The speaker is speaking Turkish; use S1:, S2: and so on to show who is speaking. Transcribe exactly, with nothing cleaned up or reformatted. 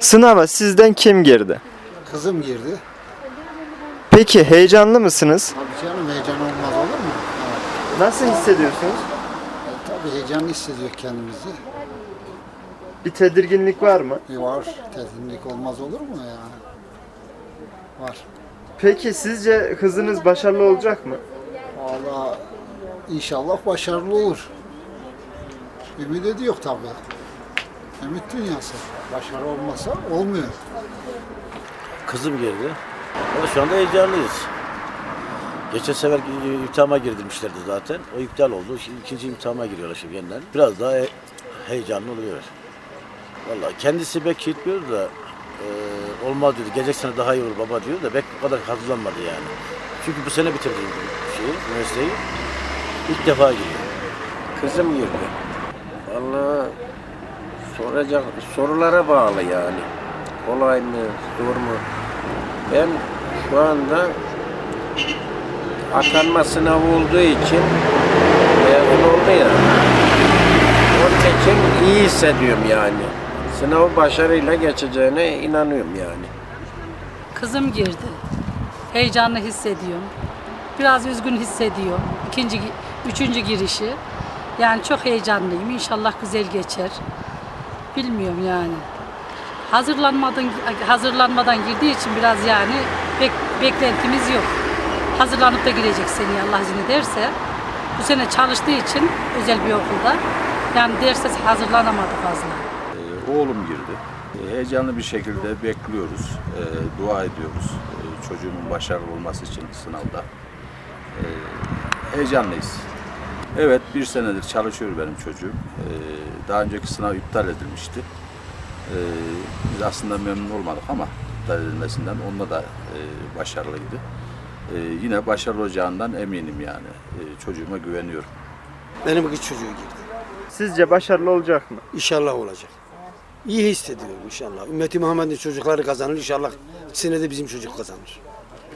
S1: Sınava sizden kim girdi?
S2: Kızım girdi.
S1: Peki heyecanlı mısınız?
S2: Tabii canım, heyecan olmaz olur mu? Evet.
S1: Nasıl hissediyorsunuz?
S2: E, tabii heyecanlı hissediyor kendimizi.
S1: Bir tedirginlik var mı?
S2: E, var. Tedirginlik olmaz olur mu ya? Var.
S1: Peki sizce kızınız başarılı olacak mı?
S2: Vallahi inşallah başarılı olur. Ümit ediyor tabii. Ümit dünyası. Başarı olmasa olmuyor.
S3: Kızım girdi. Ama şu anda heyecanlıyız. Geçen sefer imtihana girdirmişlerdi zaten. O iptal oldu. Şimdi ikinci imtihana giriyorlar şimdi yeniden. Biraz daha he- heyecanlı oluyor. Vallahi kendisi belki gitmiyor da e, olmaz diyor. Gelecek sene daha iyi olur baba diyor da belki o kadar hazırlanmadı yani. Çünkü bu sene bitirdi şeyi, üniversiteyi. İlk defa giriyor.
S4: Kızım girdi. Vallahi soracak sorulara bağlı yani. Kolay mı, zor mu? Ben şu anda atanma sınavı olduğu için mezun oldu ya. Onun için iyi hissediyorum yani. Sınavı başarıyla geçeceğine inanıyorum yani.
S5: Kızım girdi. Heyecanlı hissediyorum. Biraz üzgün hissediyorum. İkinci, üçüncü girişi. Yani çok heyecanlıyım. İnşallah güzel geçer. Bilmiyorum yani. Hazırlanmadan hazırlanmadan girdiği için biraz yani bek, beklentimiz yok. Hazırlanıp da girecek seneye Allah izin ederse. Bu sene çalıştığı için özel bir okulda. Yani derse hazırlanamadı fazla.
S6: Ee, Oğlum girdi. Ee, Heyecanlı bir şekilde bekliyoruz, ee, dua ediyoruz ee, çocuğumun başarılı olması için sınavda. Ee, Heyecanlıyız. Evet, bir senedir çalışıyor benim çocuğum. Ee, Daha önceki sınav iptal edilmişti. Ee, Biz aslında memnun olmadık ama iptal edilmesinden onda da e, başarılıydı. Ee, Yine başarılı olacağından eminim yani. Ee, Çocuğuma güveniyorum.
S7: Benim kız çocuğu girdi.
S1: Sizce başarılı olacak mı?
S7: İnşallah olacak. İyi hissediyorum inşallah. Ümmeti Muhammed'in çocukları kazanır inşallah. Senede bizim çocuk kazanır.